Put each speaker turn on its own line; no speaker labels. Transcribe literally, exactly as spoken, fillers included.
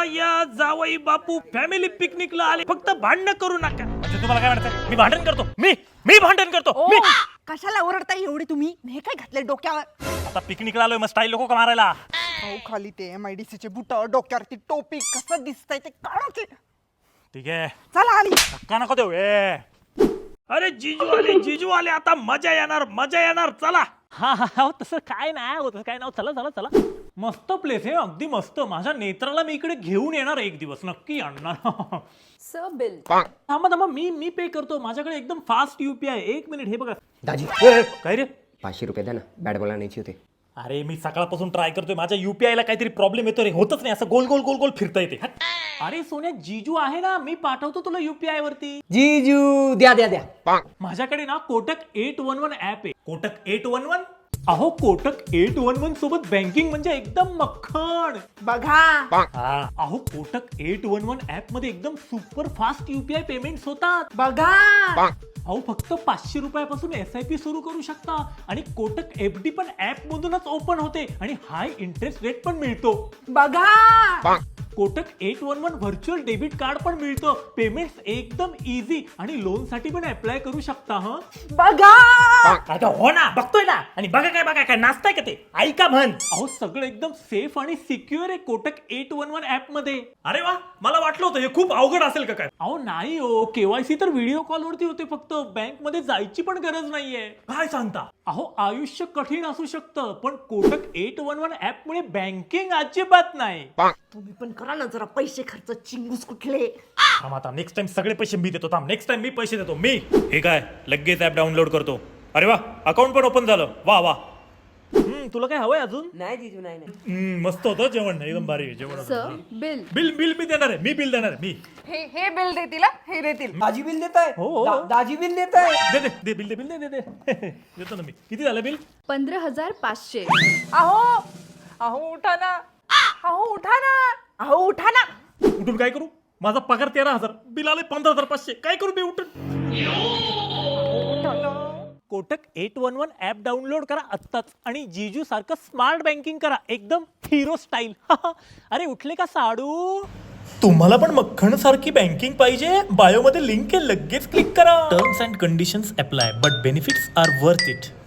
या जावई बापू फॅमिली पिकनिकला आले, फक्त भांडण करू नका. म्हणजे तुम्हाला काय म्हणायचं? मी भांडण करतो, मी मी भांडण करतो मी.
कशाला ओरडताय एवढे तुम्ही? हे काय घातले डोक्यावर?
आता पिकनिकला आलोय, मग स्टाईल लोक का मारायला?
अहो खाली ते एम आय डी सी चे बुट, डोक्यावरती टोपी, कसं दिसतंय ते काढायचे.
ठीक आहे,
चला आली.
धक्का नको देऊ. ए अरे जीजू आले, जीजू आले, आता मजा येणार, मजा येणार. चला. हा हा तसं काय नाही होत, काय नाव. चला चला चला. मस्त प्लेस आहे, अगदी मस्त. माझ्या नेत्राला मी इकडे घेऊन येणार एक दिवस, नक्की आणणार.
Sir bill.
थांबा थांबा, मी मी पे करतो. माझ्याकडे एकदम फास्ट युपीआय. एक मिनिट, हे बघा.
दाजी
काय रे?
पाचशे रुपये द्या ना, बॅट बॉल आणायची होते.
अरे मी सकाळपासून ट्राय करतोय, माझ्या युपीआय ला काहीतरी प्रॉब्लेम येतो रे, होतच नाही. असं गोल गोल गोल गोल फिरता येते. अरे सोन्या, जीजू आहे ना, मी पाठवतो तुला युपीआय वरती.
जीजू द्या द्या द्या.
माझ्याकडे ना Kotak eight one one app आहे. Kotak eight one one. अहो कोटक एट वन वन सोबत बँकिंग म्हणजे एकदम मक्खण.
बघा.
अहो Kotak eight one one app मध्ये एकदम सुपर फास्ट युपीआय पेमेंट्स होतात.
बघा.
अहो फक्त पाचशे रुपयापासून एस आय पी सुरू करू शकता आणि कोटक एफ डी पण ऍप मधूनच ओपन होते आणि हाय इंटरेस्ट रेट पण मिळतो.
बघा.
Kotak eight one one virtual debit card पण मिळतं. पेमेंट्स एकदम इझी आणि लोन साठी पण अप्लाय करू शकता. हा
बघा.
आता हो ना, बघतोय ना. आणि बघा काय बघा काय नाचताय का ते? ऐका म्हण. अहो सगळं एकदम सेफ आणि सिक्युअर आहे Kotak eight one one app मध्ये. अरे वा, मला वाटलं होतं हे खूप अवघड असेल का काय. अहो नाही हो, केवायसी तर व्हिडिओ कॉल वरती होते फक्त. बँक मध्ये जायची पण गरज नाहीये. काय सांगता? अहो आयुष्य कठीण असू शकतं, पण Kotak eight one one app मुळे बँकिंग अजिबात नाही.
तुम्ही पण करा ना जरा, पैसे खर्च चिंगूस कुठले.
थांब आता, नेक्स्ट टाइम सगळे पैसे मी देतो. थांब, नेक्स्ट टाइम मी पैसे देतो. मी हे काय लगेच ऍप डाउनलोड करतो. अरे वा, अकाउंट पण ओपन झालं. वा वा. हम्म, तुला काय हवंय अजून?
नाही जीजू नाही नाही.
हम्म, मस्त होतं जेवण, एकदम भारी आहे जेवण.
Sir bill.
बिल बिल मी देणार आहे, मी बिल देणार आहे. मी
हे हे बिल देतील हा, हे देतील.
दाजी बिल देत आहे.
हो, हो.
दाजी बिल देत आहे.
दे दे दे बिल दे बिल दे दे दे देतो ना मी. किती झालं बिल?
पंधरा हजार पाचशे.
अहो अहो उठा ना, अहो उठा ना, अहो उठा ना.
उठून काय करू? माझा पगार तेरा हजार, बिल आले पंधरा हजार पाचशे. काय करू मी उठून? Kotak eight one one app download करा आत्ताच आणि जीजू सारखं स्मार्ट बँकिंग करा, एकदम हिरो स्टाईल. अरे उठले का साडू? तुम्हाला पण मक्खण सारखी बँकिंग पाहिजे? बायो मध्ये लिंक आहे, लगेच क्लिक करा. Terms and conditions apply, but benefits are worth it.